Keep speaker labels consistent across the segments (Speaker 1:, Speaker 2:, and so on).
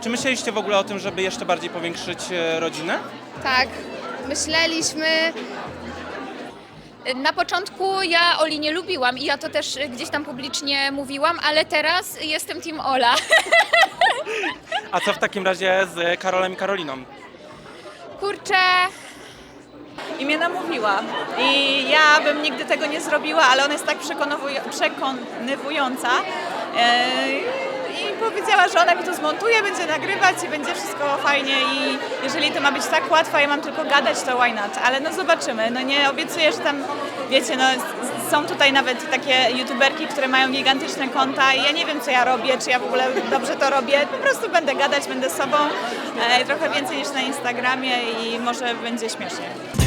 Speaker 1: Czy myśleliście w ogóle o tym, żeby jeszcze bardziej powiększyć rodzinę?
Speaker 2: Tak, myśleliśmy.
Speaker 3: Na początku ja Oli nie lubiłam i ja to też gdzieś tam publicznie mówiłam, ale teraz jestem team Ola.
Speaker 1: A co w takim razie z Karolem i Karoliną?
Speaker 3: Kurczę,
Speaker 4: I mnie namówiła. I ja bym nigdy tego nie zrobiła, ale ona jest tak przekonywująca. I powiedziała, że ona mi to zmontuje, będzie nagrywać i będzie wszystko fajnie. I jeżeli to ma być tak łatwo, ja mam tylko gadać, to why not? Ale no zobaczymy. No nie obiecuję, że tam, wiecie, no są tutaj nawet takie youtuberki, które mają gigantyczne konta i ja nie wiem, co ja robię, czy ja w ogóle dobrze to robię. Po prostu będę gadać, będę sobą, trochę więcej niż na Instagramie i może będzie śmiesznie.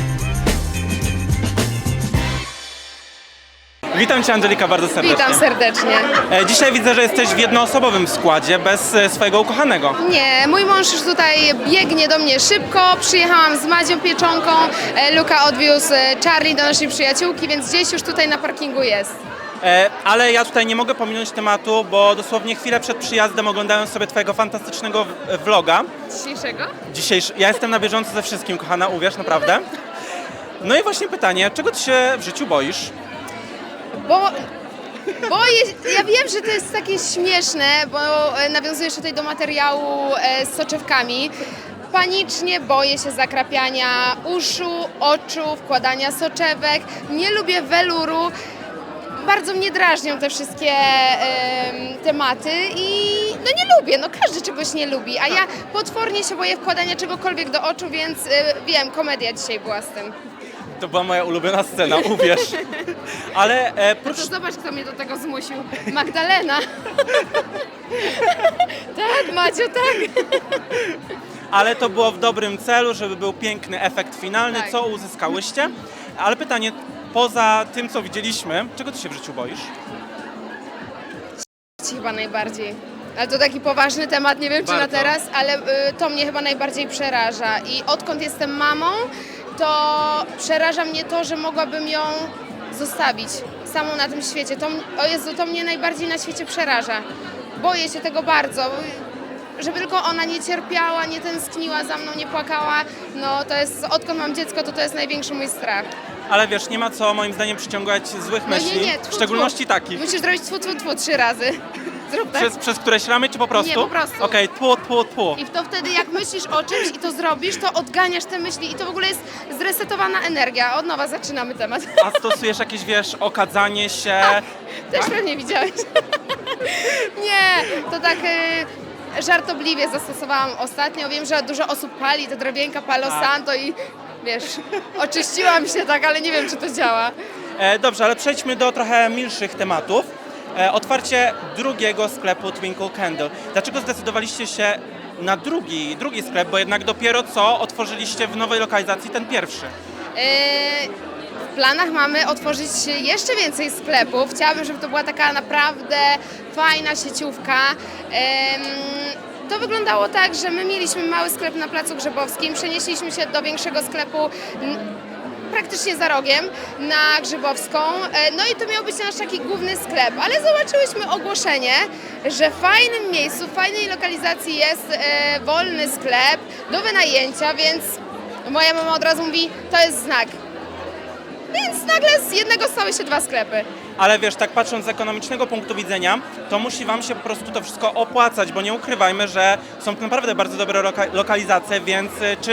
Speaker 1: Witam Cię, Angelika, bardzo serdecznie.
Speaker 2: Witam serdecznie.
Speaker 1: Dzisiaj widzę, że jesteś w jednoosobowym składzie, bez swojego ukochanego.
Speaker 2: Nie, mój mąż już tutaj biegnie do mnie szybko. Przyjechałam z Madzią Pieczonką. Luka odwiózł Charlie do naszej przyjaciółki, więc gdzieś już tutaj na parkingu jest.
Speaker 1: Ale ja tutaj nie mogę pominąć tematu, bo dosłownie chwilę przed przyjazdem oglądałem sobie Twojego fantastycznego vloga.
Speaker 2: Dzisiejszego?
Speaker 1: Ja jestem na bieżąco ze wszystkim, kochana, uwierz, naprawdę. No i właśnie pytanie, czego Ty się w życiu boisz?
Speaker 2: Ja wiem, że to jest takie śmieszne, bo nawiązujesz tutaj do materiału z soczewkami. Panicznie boję się zakrapiania uszu, oczu, wkładania soczewek. Nie lubię weluru. Bardzo mnie drażnią te wszystkie tematy i no nie lubię, no każdy czegoś nie lubi, a ja potwornie się boję wkładania czegokolwiek do oczu, więc wiem, komedia dzisiaj była z tym.
Speaker 1: To była moja ulubiona scena, uwierz. Ale
Speaker 2: No to zobacz, kto mnie do tego zmusił. Magdalena. Tak, Maciu, tak.
Speaker 1: Ale to było w dobrym celu, żeby był piękny efekt finalny,
Speaker 2: Tak.
Speaker 1: co uzyskałyście. Ale pytanie, poza tym, co widzieliśmy, czego Ty się w życiu boisz?
Speaker 2: Chyba najbardziej. Ale to taki poważny temat, nie wiem czy na
Speaker 1: Bardzo.
Speaker 2: teraz, ale to mnie chyba najbardziej przeraża. I odkąd jestem mamą, to przeraża mnie to, że mogłabym ją zostawić samą na tym świecie. O Jezu, to mnie najbardziej na świecie przeraża. Boję się tego bardzo. Żeby tylko ona nie cierpiała, nie tęskniła za mną, nie płakała, no to jest, odkąd mam dziecko, to jest największy mój strach.
Speaker 1: Ale wiesz, nie ma co moim zdaniem przyciągać złych
Speaker 2: No
Speaker 1: myśli,
Speaker 2: nie,
Speaker 1: w szczególności takich.
Speaker 2: Musisz zrobić tfu, tfu, tfu 3 razy. Zrób tak.
Speaker 1: Przez któreś ramy, czy po prostu?
Speaker 2: Nie, po prostu.
Speaker 1: Okej, tfu.
Speaker 2: I to wtedy jak myślisz o czymś i to zrobisz, to odganiasz te myśli i to w ogóle jest zresetowana energia. Od nowa zaczynamy temat.
Speaker 1: A stosujesz jakieś, wiesz, okadzanie się?
Speaker 2: Też pewnie widziałeś. Nie, to tak żartobliwie zastosowałam ostatnio. Wiem, że dużo osób pali te drewienka Palo
Speaker 1: Tak.
Speaker 2: Santo i wiesz, oczyściłam się tak, ale nie wiem, czy to działa.
Speaker 1: Dobrze, ale przejdźmy do trochę milszych tematów. Otwarcie drugiego sklepu Twinkle Candle. Dlaczego zdecydowaliście się na drugi sklep, bo jednak dopiero co otworzyliście w nowej lokalizacji ten pierwszy?
Speaker 2: W planach mamy otworzyć jeszcze więcej sklepów. Chciałabym, żeby to była taka naprawdę fajna sieciówka. To wyglądało tak, że my mieliśmy mały sklep na Placu Grzybowskim, przenieśliśmy się do większego sklepu praktycznie za rogiem na Grzybowską. No i to miał być nasz taki główny sklep, ale zobaczyłyśmy ogłoszenie, że w fajnym miejscu, w fajnej lokalizacji jest wolny sklep do wynajęcia, więc moja mama od razu mówi, to jest znak. Więc nagle z jednego stały się 2 sklepy.
Speaker 1: Ale wiesz, tak patrząc z ekonomicznego punktu widzenia, to musi Wam się po prostu to wszystko opłacać, bo nie ukrywajmy, że są to naprawdę bardzo dobre lokalizacje, więc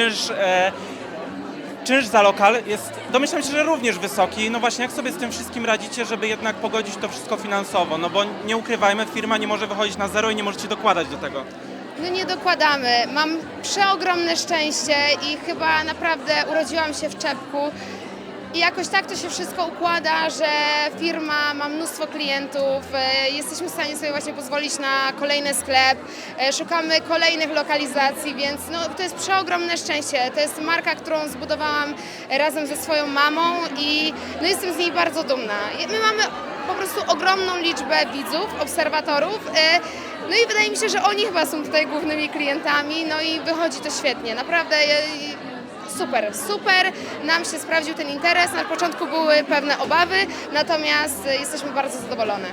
Speaker 1: czynsz za lokal jest, domyślam się, że również wysoki. No właśnie, jak sobie z tym wszystkim radzicie, żeby jednak pogodzić to wszystko finansowo? No bo nie ukrywajmy, firma nie może wychodzić na zero i nie możecie dokładać do tego.
Speaker 2: No nie dokładamy. Mam przeogromne szczęście i chyba naprawdę urodziłam się w czepku. I jakoś tak to się wszystko układa, że firma ma mnóstwo klientów, jesteśmy w stanie sobie właśnie pozwolić na kolejny sklep, szukamy kolejnych lokalizacji, więc no, to jest przeogromne szczęście. To jest marka, którą zbudowałam razem ze swoją mamą i no, jestem z niej bardzo dumna. My mamy po prostu ogromną liczbę widzów, obserwatorów. No i wydaje mi się, że oni chyba są tutaj głównymi klientami, no i wychodzi to świetnie. Naprawdę super, nam się sprawdził ten interes. Na początku były pewne obawy, natomiast jesteśmy bardzo zadowolone.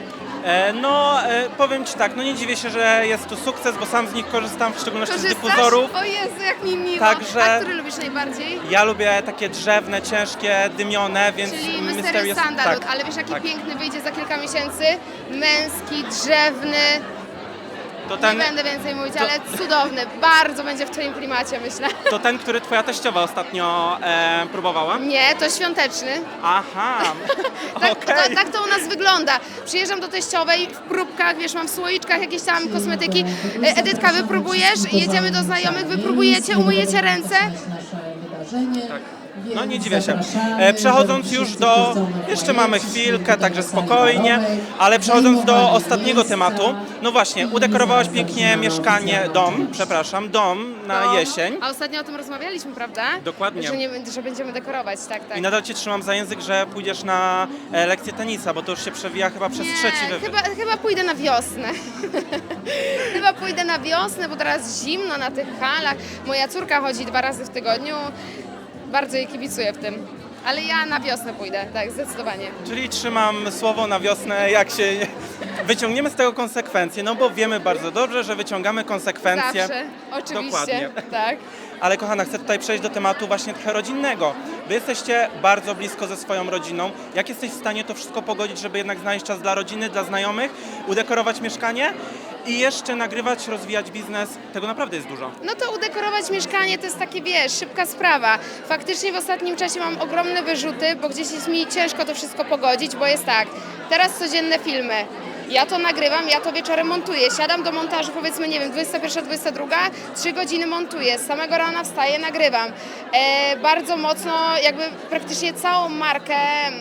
Speaker 1: Powiem Ci tak, no nie dziwię się, że jest tu sukces, bo sam z nich korzystam, w szczególności z dyfuzorów.
Speaker 2: O Jezu, jak mi miło.
Speaker 1: Także-
Speaker 2: A który lubisz najbardziej?
Speaker 1: Ja lubię takie drzewne, ciężkie, dymione, więc
Speaker 2: Czyli Mysterious Sandalwood, ale wiesz jaki
Speaker 1: tak.
Speaker 2: piękny wyjdzie za kilka miesięcy? Męski, drzewny,
Speaker 1: To
Speaker 2: nie
Speaker 1: ten,
Speaker 2: będę więcej mówić, ale cudowny, bardzo będzie w twoim klimacie, myślę.
Speaker 1: to ten, który Twoja teściowa ostatnio próbowała?
Speaker 2: Nie, to świąteczny.
Speaker 1: Aha,
Speaker 2: Tak,
Speaker 1: okej.
Speaker 2: tak to u nas wygląda. Przyjeżdżam do teściowej w próbkach, wiesz, mam w słoiczkach jakieś tam kosmetyki. Edytka, wypróbujesz, jedziemy do znajomych, wypróbujecie, umyjecie ręce.
Speaker 1: Tak. No nie dziwię się. Przechodząc już do, jeszcze mamy chwilkę, także spokojnie, ale przechodząc do ostatniego tematu, no właśnie, udekorowałaś pięknie mieszkanie, dom na jesień.
Speaker 2: A ostatnio o tym rozmawialiśmy, prawda?
Speaker 1: Dokładnie.
Speaker 2: Że będziemy dekorować, tak.
Speaker 1: I nadal Cię trzymam za język, że pójdziesz na lekcję tenisa, bo to już się przewija chyba przez trzeci wywiad.
Speaker 2: chyba pójdę na wiosnę. Chyba pójdę na wiosnę, bo teraz zimno na tych halach. Moja córka chodzi 2 razy w tygodniu. Bardzo jej kibicuję w tym. Ale ja na wiosnę pójdę, tak, zdecydowanie.
Speaker 1: Czyli trzymam słowo na wiosnę, jak się wyciągniemy z tego konsekwencje, no bo wiemy bardzo dobrze, że wyciągamy konsekwencje.
Speaker 2: Zawsze, oczywiście.
Speaker 1: Dokładnie.
Speaker 2: Tak.
Speaker 1: Ale kochana, chcę tutaj przejść do tematu właśnie trochę rodzinnego. Wy jesteście bardzo blisko ze swoją rodziną. Jak jesteś w stanie to wszystko pogodzić, żeby jednak znaleźć czas dla rodziny, dla znajomych, udekorować mieszkanie i jeszcze nagrywać, rozwijać biznes? Tego naprawdę jest dużo.
Speaker 2: No to udekorować mieszkanie to jest takie, wiesz, szybka sprawa. Faktycznie w ostatnim czasie mam ogromne wyrzuty, bo gdzieś jest mi ciężko to wszystko pogodzić, bo jest tak, teraz codzienne filmy. Ja to nagrywam, ja to wieczorem montuję. Siadam do montażu, powiedzmy, nie wiem, 21, 22, 3 godziny montuję. Z samego rana wstaję, nagrywam. Bardzo mocno, jakby praktycznie całą markę,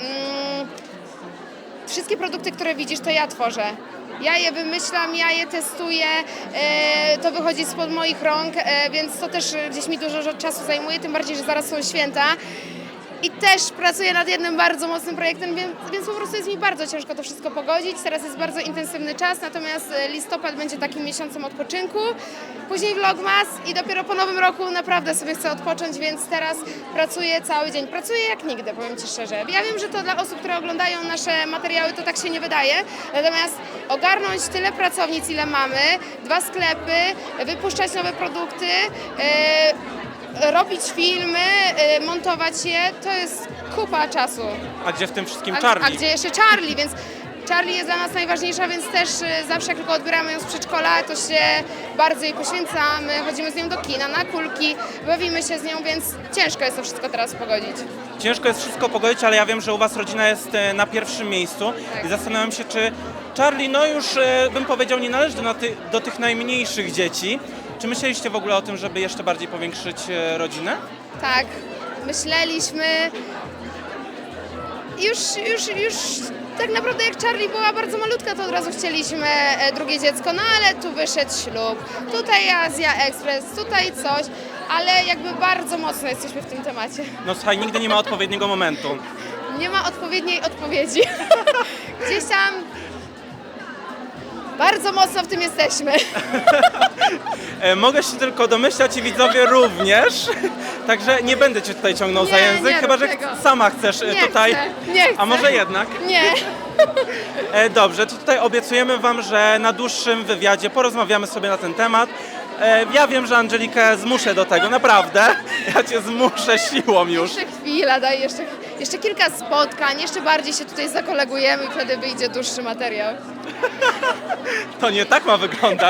Speaker 2: wszystkie produkty, które widzisz, to ja tworzę. Ja je wymyślam, ja je testuję, to wychodzi spod moich rąk, więc to też gdzieś mi dużo czasu zajmuje, tym bardziej, że zaraz są święta. I też pracuję nad jednym bardzo mocnym projektem, więc po prostu jest mi bardzo ciężko to wszystko pogodzić. Teraz jest bardzo intensywny czas, natomiast listopad będzie takim miesiącem odpoczynku. Później vlogmas i dopiero po nowym roku naprawdę sobie chcę odpocząć, więc teraz pracuję cały dzień. Pracuję jak nigdy, powiem Ci szczerze. Ja wiem, że to dla osób, które oglądają nasze materiały, to tak się nie wydaje. Natomiast ogarnąć tyle pracownic, ile mamy, 2 sklepy, wypuszczać nowe produkty, robić filmy, montować je, to jest kupa czasu.
Speaker 1: A gdzie w tym wszystkim
Speaker 2: A
Speaker 1: Charlie?
Speaker 2: gdzie jeszcze Charlie, więc Charlie jest dla nas najważniejsza, więc też zawsze jak tylko odbieramy ją z przedszkola, to się bardzo jej poświęcamy, chodzimy z nią do kina, na kulki, bawimy się z nią, więc ciężko jest to wszystko teraz pogodzić.
Speaker 1: Ciężko jest wszystko pogodzić, ale ja wiem, że u Was rodzina jest na pierwszym miejscu
Speaker 2: Tak.
Speaker 1: i zastanawiam się, czy Charlie, no już bym powiedział, nie należy do tych najmniejszych dzieci. Czy myśleliście w ogóle o tym, żeby jeszcze bardziej powiększyć rodzinę?
Speaker 2: Tak, myśleliśmy. Już tak naprawdę jak Charlie była bardzo malutka, to od razu chcieliśmy drugie dziecko, no ale tu wyszedł ślub, tutaj Azja Express, tutaj coś, ale jakby bardzo mocno jesteśmy w tym temacie.
Speaker 1: No słuchaj, nigdy nie ma odpowiedniego momentu.
Speaker 2: Nie ma odpowiedniej odpowiedzi. Gdzieś tam bardzo mocno w tym jesteśmy.
Speaker 1: Mogę się tylko domyślać i widzowie również, także nie będę Cię tutaj ciągnął za
Speaker 2: Nie,
Speaker 1: język,
Speaker 2: nie
Speaker 1: chyba
Speaker 2: rób
Speaker 1: że
Speaker 2: tego.
Speaker 1: sama chcesz
Speaker 2: Nie
Speaker 1: tutaj.
Speaker 2: chcę, nie chcę.
Speaker 1: A może jednak?
Speaker 2: Nie.
Speaker 1: Dobrze, to tutaj obiecujemy Wam, że na dłuższym wywiadzie porozmawiamy sobie na ten temat. Ja wiem, że Angelikę zmuszę do tego, naprawdę. Ja Cię zmuszę siłą już.
Speaker 2: Jeszcze chwila, daj jeszcze kilka spotkań, jeszcze bardziej się tutaj zakolegujemy i wtedy wyjdzie dłuższy materiał.
Speaker 1: To nie tak ma wyglądać.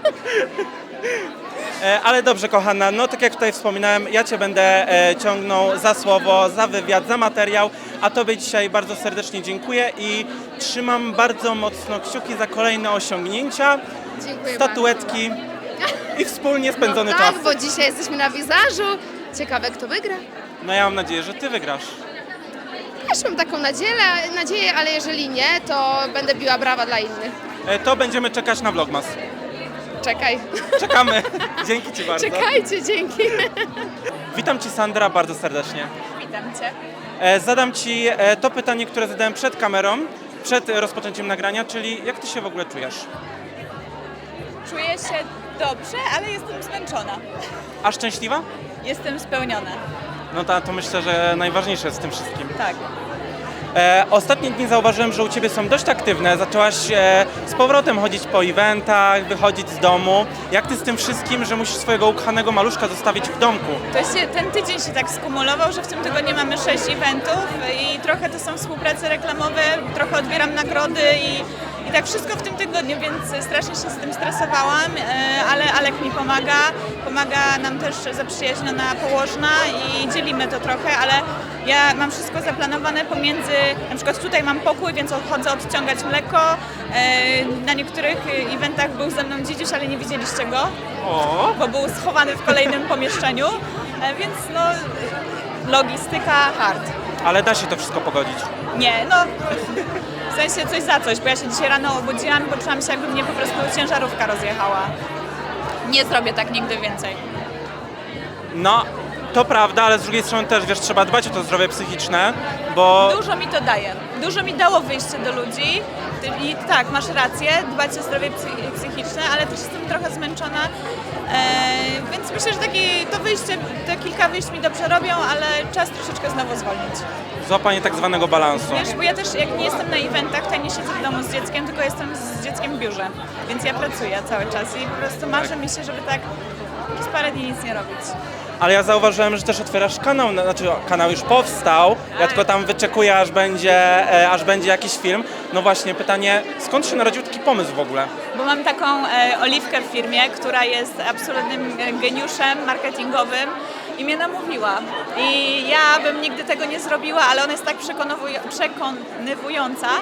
Speaker 1: Ale dobrze, kochana, no tak jak tutaj wspominałem, ja Cię będę ciągnął za słowo, za wywiad, za materiał, a Tobie dzisiaj bardzo serdecznie dziękuję i trzymam bardzo mocno kciuki za kolejne osiągnięcia,
Speaker 2: Dziękuję
Speaker 1: statuetki i wspólnie
Speaker 2: bardzo.
Speaker 1: spędzony
Speaker 2: No
Speaker 1: czas.
Speaker 2: tak, bo dzisiaj jesteśmy na wizażu. Ciekawe, kto wygra.
Speaker 1: No ja mam nadzieję, że Ty wygrasz.
Speaker 2: Też mam taką nadzieję, ale jeżeli nie, to będę biła brawa dla innych.
Speaker 1: To będziemy czekać na vlogmas.
Speaker 2: Czekaj.
Speaker 1: Czekamy. Dzięki Ci bardzo.
Speaker 2: Czekajcie, dzięki.
Speaker 1: Witam Ci, Sandra, bardzo serdecznie.
Speaker 4: Witam Cię.
Speaker 1: Zadam Ci to pytanie, które zadałem przed kamerą, przed rozpoczęciem nagrania, czyli jak Ty się w ogóle czujesz?
Speaker 4: Czuję się dobrze, ale jestem zmęczona.
Speaker 1: A szczęśliwa?
Speaker 4: Jestem spełniona.
Speaker 1: No to myślę, że najważniejsze jest w tym wszystkim.
Speaker 4: Tak.
Speaker 1: Ostatnie dni zauważyłem, że u Ciebie są dość aktywne. Zaczęłaś z powrotem chodzić po eventach, wychodzić z domu. Jak Ty z tym wszystkim, że musisz swojego ukochanego maluszka zostawić w domku?
Speaker 4: Ten tydzień się tak skumulował, że w tym tygodniu mamy 6 eventów i trochę to są współprace reklamowe, trochę odbieram nagrody i tak wszystko w tym tygodniu, więc strasznie się z tym stresowałam, ale Alek mi pomaga nam też zaprzyjaźniona położna i dzielimy to trochę, ale ja mam wszystko zaplanowane pomiędzy, na przykład tutaj mam pokój, więc chodzę odciągać mleko, na niektórych eventach był ze mną dzidziuś, ale nie widzieliście go, bo był schowany w kolejnym pomieszczeniu, więc no logistyka hard.
Speaker 1: Ale da się to wszystko pogodzić.
Speaker 4: Nie, no w sensie coś za coś, bo ja się dzisiaj rano obudziłam i poczułam się, jakby mnie po prostu ciężarówka rozjechała. Nie zrobię tak nigdy więcej.
Speaker 1: No, to prawda, ale z drugiej strony też, wiesz, trzeba dbać o to zdrowie psychiczne, bo...
Speaker 4: Dużo mi to daje. Dużo mi dało wyjście do ludzi i tak, masz rację, dbać o zdrowie psychiczne, ale też jestem trochę zmęczona, więc myślę, że to wyjście, te kilka wyjść mi dobrze robią, ale czas troszeczkę znowu zwolnić.
Speaker 1: Złapanie tak zwanego balansu.
Speaker 4: Wiesz, bo ja też jak nie jestem na eventach, to nie siedzę w domu z dzieckiem, tylko jestem z dzieckiem w biurze, więc ja pracuję cały czas i po prostu marzę mi się, żeby tak przez parę dni nic nie robić.
Speaker 1: Ale ja zauważyłem, że też otwierasz kanał, znaczy kanał już powstał, ja tylko tam wyczekuję, aż będzie jakiś film. No właśnie, pytanie, skąd się narodził taki pomysł w ogóle?
Speaker 4: Bo mam taką Oliwkę w firmie, która jest absolutnym geniuszem marketingowym i mnie namówiła. I ja bym nigdy tego nie zrobiła, ale ona jest tak przekonywująca.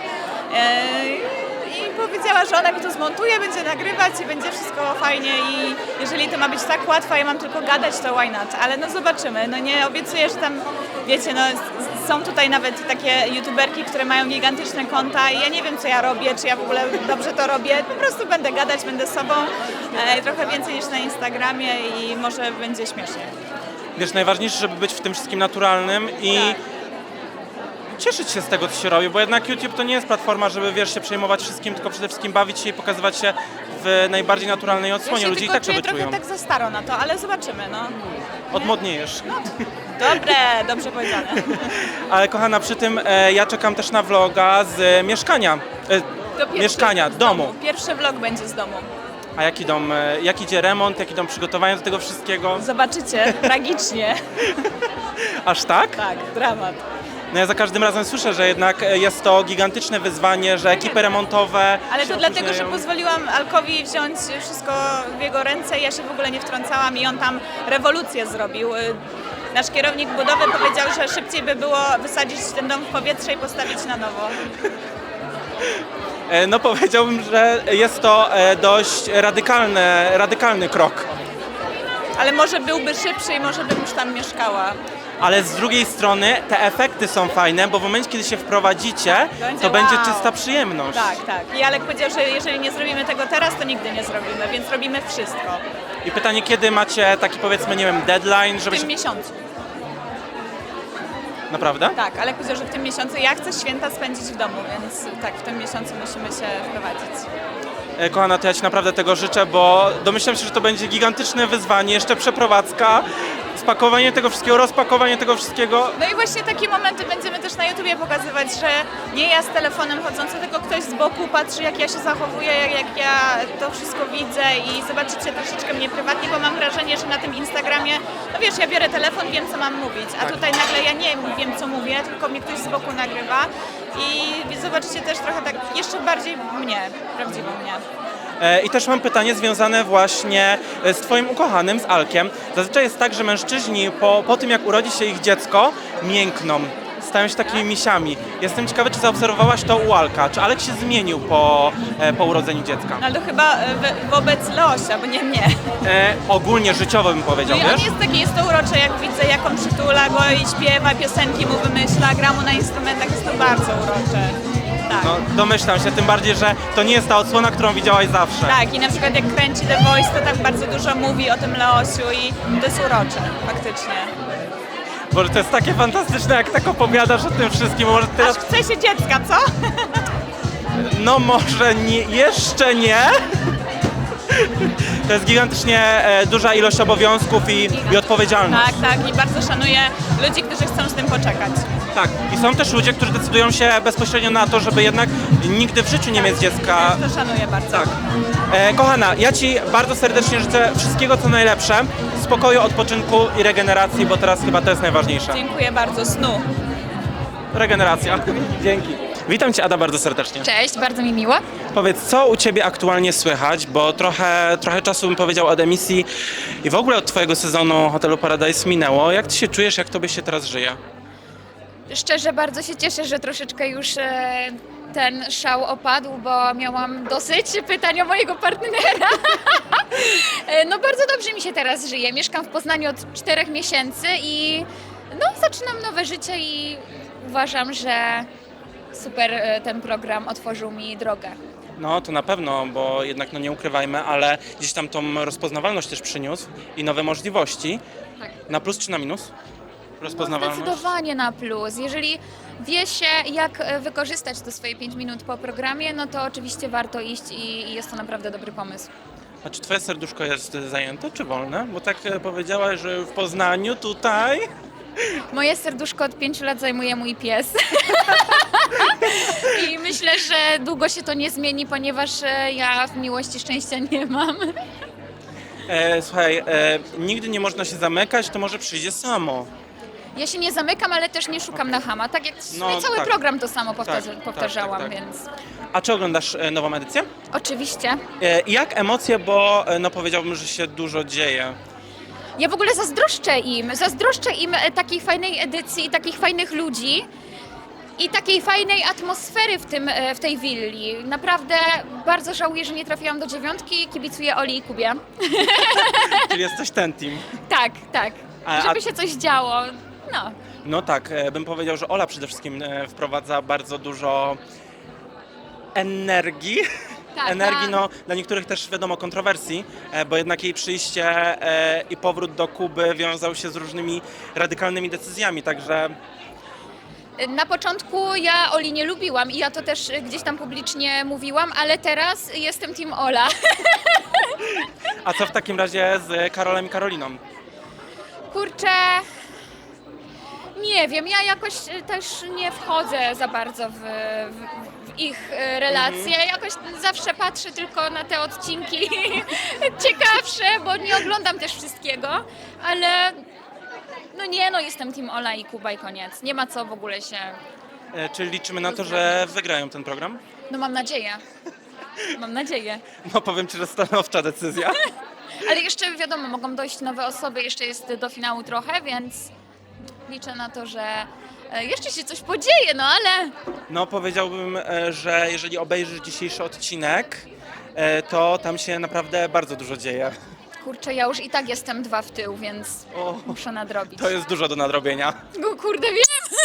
Speaker 4: I powiedziała, że ona mi to zmontuje, będzie nagrywać i będzie wszystko fajnie i jeżeli to ma być tak łatwo, ja mam tylko gadać, to why not? Ale no zobaczymy, no nie obiecuję, że tam, wiecie, no są tutaj nawet takie youtuberki, które mają gigantyczne konta i ja nie wiem, co ja robię, czy ja w ogóle dobrze to robię, po prostu będę gadać, będę sobą, trochę więcej niż na Instagramie i może będzie śmiesznie.
Speaker 1: Wiesz, najważniejsze, żeby być w tym wszystkim naturalnym i cieszyć się z tego, co się robi, bo jednak YouTube to nie jest platforma, żeby, wiesz, się przejmować wszystkim, tylko przede wszystkim bawić się i pokazywać się w najbardziej naturalnej odsłonie.
Speaker 4: Ja się
Speaker 1: Ludzie i
Speaker 4: tylko
Speaker 1: tak
Speaker 4: czuję
Speaker 1: sobie czują.
Speaker 4: trochę tak za staro na to, ale zobaczymy, no.
Speaker 1: Odmodniejesz.
Speaker 4: Dobre, dobrze powiedziane.
Speaker 1: Ale kochana, przy tym ja czekam też na vloga z mieszkania. Domu.
Speaker 4: Pierwszy vlog będzie z domu.
Speaker 1: A jaki dom? Jak idzie remont? Jak idą przygotowania do tego wszystkiego?
Speaker 4: Zobaczycie, tragicznie.
Speaker 1: Aż tak?
Speaker 4: Tak, dramat.
Speaker 1: No ja za każdym razem słyszę, że jednak jest to gigantyczne wyzwanie, że ekipy remontowe
Speaker 4: Ale
Speaker 1: się
Speaker 4: to dlatego, że
Speaker 1: opóźniają.
Speaker 4: pozwoliłam Alkowi wziąć wszystko w jego ręce, ja się w ogóle nie wtrącałam i on tam rewolucję zrobił. Nasz kierownik budowy powiedział, że szybciej by było wysadzić ten dom w powietrze i postawić na nowo.
Speaker 1: No powiedziałbym, że jest to dość radykalny krok.
Speaker 4: Ale może byłby szybszy i może bym już tam mieszkała.
Speaker 1: Ale z drugiej strony te efekty są fajne, bo w momencie, kiedy się wprowadzicie, to będzie
Speaker 4: wow.
Speaker 1: czysta przyjemność.
Speaker 4: Tak, tak. I Alek powiedział, że jeżeli nie zrobimy tego teraz, to nigdy nie zrobimy, więc robimy wszystko.
Speaker 1: I pytanie, kiedy macie taki, powiedzmy, nie wiem, deadline, żeby
Speaker 4: W
Speaker 1: się...
Speaker 4: tym miesiącu.
Speaker 1: Naprawdę?
Speaker 4: Tak, Alek powiedział, że w tym miesiącu ja chcę święta spędzić w domu, więc tak, w tym miesiącu musimy się wprowadzić.
Speaker 1: Kochana, to ja Ci naprawdę tego życzę, bo domyślam się, że to będzie gigantyczne wyzwanie, jeszcze przeprowadzka, spakowanie tego wszystkiego, rozpakowanie tego wszystkiego.
Speaker 4: No i właśnie takie momenty będziemy też na YouTubie pokazywać, że nie ja z telefonem chodzący, tylko ktoś z boku patrzy, jak ja się zachowuję, jak ja to wszystko widzę i zobaczycie troszeczkę mnie prywatnie, bo mam wrażenie, że na tym Instagramie, no wiesz, ja biorę telefon, wiem, co mam mówić, a tutaj nagle ja nie wiem, co mówię, tylko mnie ktoś z boku nagrywa i zobaczycie też trochę tak jeszcze bardziej mnie, prawdziwą mnie.
Speaker 1: I też mam pytanie związane właśnie z Twoim ukochanym, z Alkiem. Zazwyczaj jest tak, że mężczyźni po tym, jak urodzi się ich dziecko, miękną, stają się takimi misiami. Jestem ciekawy, czy zaobserwowałaś to u Alka. Czy Alek się zmienił po urodzeniu dziecka?
Speaker 4: No ale to chyba wobec Leosia, bo nie mnie.
Speaker 1: Ogólnie życiowo bym powiedział,
Speaker 4: No i on
Speaker 1: wiesz?
Speaker 4: jest taki, jest to urocze, jak widzę, jak on przytula go i śpiewa, piosenki mu wymyśla, gra mu na instrumentach, jest to bardzo urocze. Tak.
Speaker 1: No, domyślam się, tym bardziej, że to nie jest ta odsłona, którą widziałaś zawsze.
Speaker 4: Tak, i na przykład jak kręci The Voice, to tak bardzo dużo mówi o tym Leosiu i to jest urocze, faktycznie.
Speaker 1: Boże, to jest takie fantastyczne, jak tak opowiadasz o tym wszystkim. Może
Speaker 4: Aż
Speaker 1: teraz...
Speaker 4: chce się dziecka, co?
Speaker 1: No może nie, jeszcze nie, To jest gigantycznie duża ilość obowiązków i odpowiedzialność.
Speaker 4: Tak, i bardzo szanuję ludzi, którzy chcą z tym poczekać.
Speaker 1: Tak. I są też ludzie, którzy decydują się bezpośrednio na to, żeby jednak nigdy w życiu nie mieć dziecka.
Speaker 4: To szanuję bardzo.
Speaker 1: Tak. Kochana, ja Ci bardzo serdecznie życzę wszystkiego co najlepsze, spokoju, odpoczynku i regeneracji, bo teraz chyba to jest najważniejsze.
Speaker 4: Dziękuję bardzo, snu.
Speaker 1: Regeneracja. Dzięki. Witam Cię, Ada, bardzo serdecznie.
Speaker 3: Cześć, bardzo mi miło.
Speaker 1: Powiedz, co u Ciebie aktualnie słychać, bo trochę czasu bym powiedział od emisji i w ogóle od Twojego sezonu Hotelu Paradise minęło. Jak Ty się czujesz, jak Tobie się teraz żyje?
Speaker 3: Szczerze bardzo się cieszę, że troszeczkę już ten szał opadł, bo miałam dosyć pytań o mojego partnera. No bardzo dobrze mi się teraz żyje. Mieszkam w Poznaniu od 4 miesięcy i no, zaczynam nowe życie i uważam, że super ten program otworzył mi drogę.
Speaker 1: No to na pewno, bo jednak no nie ukrywajmy, ale gdzieś tam tą rozpoznawalność też przyniósł i nowe możliwości.
Speaker 3: Tak.
Speaker 1: Na plus czy na minus? Rozpoznawalność?
Speaker 3: Zdecydowanie na plus. Jeżeli wie się, jak wykorzystać te swoje 5 minut po programie, no to oczywiście warto iść i jest to naprawdę dobry pomysł.
Speaker 1: A czy Twoje serduszko jest zajęte czy wolne? Bo tak powiedziałaś, że w Poznaniu tutaj...
Speaker 3: Moje serduszko od 5 lat zajmuje mój pies. I myślę, że długo się to nie zmieni, ponieważ ja w miłości szczęścia nie mam.
Speaker 1: Słuchaj, nigdy nie można się zamykać, to może przyjdzie samo.
Speaker 3: Ja się nie zamykam, ale też nie szukam na chama. Tak jak w sumie
Speaker 1: No,
Speaker 3: cały
Speaker 1: tak.
Speaker 3: program to samo powtarzałam,
Speaker 1: tak.
Speaker 3: więc
Speaker 1: A czy oglądasz nową edycję?
Speaker 3: oczywiście.
Speaker 1: I jak emocje, bo no powiedziałbym, że się dużo dzieje.
Speaker 3: Ja w ogóle zazdroszczę im takiej fajnej edycji, takich fajnych ludzi i takiej fajnej atmosfery w tej willi. Naprawdę bardzo żałuję, że nie trafiłam do 9, kibicuję Oli i Kubie.
Speaker 1: Czyli jesteś ten team.
Speaker 3: Tak,
Speaker 1: A-
Speaker 3: żeby się coś działo, no.
Speaker 1: No tak, bym powiedział, że Ola przede wszystkim wprowadza bardzo dużo energii.
Speaker 3: Tak,
Speaker 1: Energii,
Speaker 3: tak.
Speaker 1: no dla niektórych też wiadomo kontrowersji, bo jednak jej przyjście i powrót do Kuby wiązał się z różnymi radykalnymi decyzjami, także
Speaker 3: Na początku ja Oli nie lubiłam i ja to też gdzieś tam publicznie mówiłam, ale teraz jestem team Ola.
Speaker 1: a co w takim razie z Karolem i Karoliną?
Speaker 3: Kurczę, nie wiem, ja jakoś też nie wchodzę za bardzo w ich relacje. Jakoś zawsze patrzę tylko na te odcinki ciekawsze, bo nie oglądam też wszystkiego, ale no jestem team Ola i Kuba i koniec. Nie ma co w ogóle się...
Speaker 1: Czyli liczymy na to, że wygrają ten program?
Speaker 3: No mam nadzieję. Mam nadzieję.
Speaker 1: No powiem Ci, że stanowcza decyzja.
Speaker 3: Ale jeszcze wiadomo, mogą dojść nowe osoby, jeszcze jest do finału trochę, więc liczę na to, że jeszcze się coś podzieje, no ale
Speaker 1: No powiedziałbym, że jeżeli obejrzysz dzisiejszy odcinek, to tam się naprawdę bardzo dużo dzieje.
Speaker 3: kurczę, ja już i tak jestem 2 w tył, więc
Speaker 1: O,
Speaker 3: muszę nadrobić.
Speaker 1: to jest dużo do nadrobienia.
Speaker 3: No, kurde, wiem!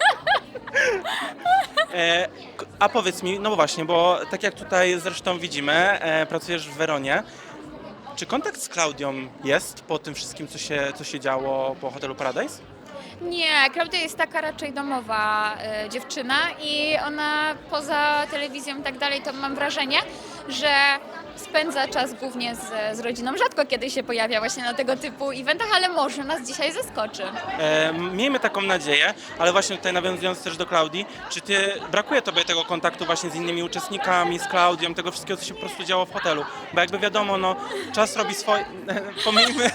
Speaker 1: A powiedz mi, no właśnie, bo tak jak tutaj zresztą widzimy, pracujesz w Weronie. Czy kontakt z Klaudią jest po tym wszystkim, co się działo po Hotelu Paradise?
Speaker 3: Nie, Klaudia jest taka raczej domowa dziewczyna i ona poza telewizją i tak dalej, to mam wrażenie, że spędza czas głównie z rodziną. Rzadko kiedy się pojawia właśnie na tego typu eventach, ale może nas dzisiaj zaskoczy.
Speaker 1: Miejmy taką nadzieję, ale właśnie tutaj nawiązując też do Klaudii, czy brakuje Tobie tego kontaktu właśnie z innymi uczestnikami, z Klaudią, tego wszystkiego, co się po prostu działo w hotelu? Bo jakby wiadomo, no czas robi swoje, pomijmy,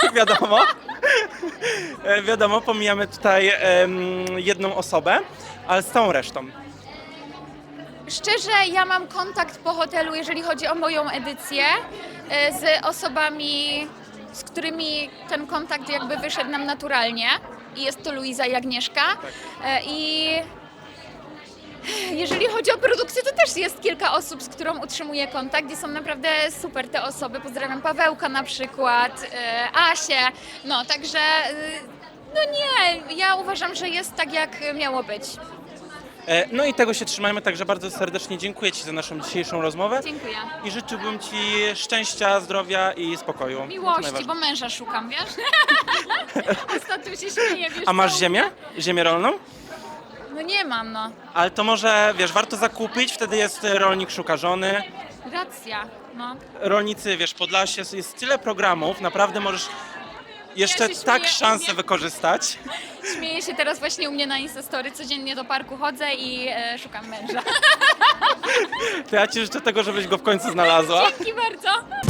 Speaker 1: wiadomo, pomijamy tutaj jedną osobę, ale z całą resztą.
Speaker 3: Szczerze, ja mam kontakt po hotelu, jeżeli chodzi o moją edycję, z osobami, z którymi ten kontakt jakby wyszedł nam naturalnie. I jest to Luiza i Agnieszka. I jeżeli chodzi o produkcję, to też jest kilka osób, z którą utrzymuję kontakt i są naprawdę super te osoby. Pozdrawiam Pawełka na przykład, Asię, no także no nie, ja uważam, że jest tak jak miało być.
Speaker 1: No i tego się trzymajmy, także bardzo serdecznie dziękuję Ci za naszą dzisiejszą rozmowę
Speaker 3: Dziękuję.
Speaker 1: i życzyłbym Ci szczęścia, zdrowia i spokoju. To
Speaker 3: Miłości,
Speaker 1: najważniejsze.
Speaker 3: bo męża szukam, wiesz? Ostatnio się śmieję, wiesz?
Speaker 1: A masz
Speaker 3: co?
Speaker 1: ziemię? Ziemię rolną?
Speaker 3: No nie mam, no.
Speaker 1: Ale to może, wiesz, warto zakupić, wtedy jest rolnik szuka żony.
Speaker 3: Racja, no.
Speaker 1: Rolnicy, wiesz, Podlasie, jest tyle programów, naprawdę możesz jeszcze
Speaker 3: Ja się
Speaker 1: tak
Speaker 3: śmieję,
Speaker 1: szansę wykorzystać.
Speaker 3: Śmieję się teraz właśnie u mnie na Instastory, codziennie do parku chodzę i szukam męża.
Speaker 1: To ja ci życzę tego, żebyś go w końcu znalazła.
Speaker 3: Dzięki bardzo.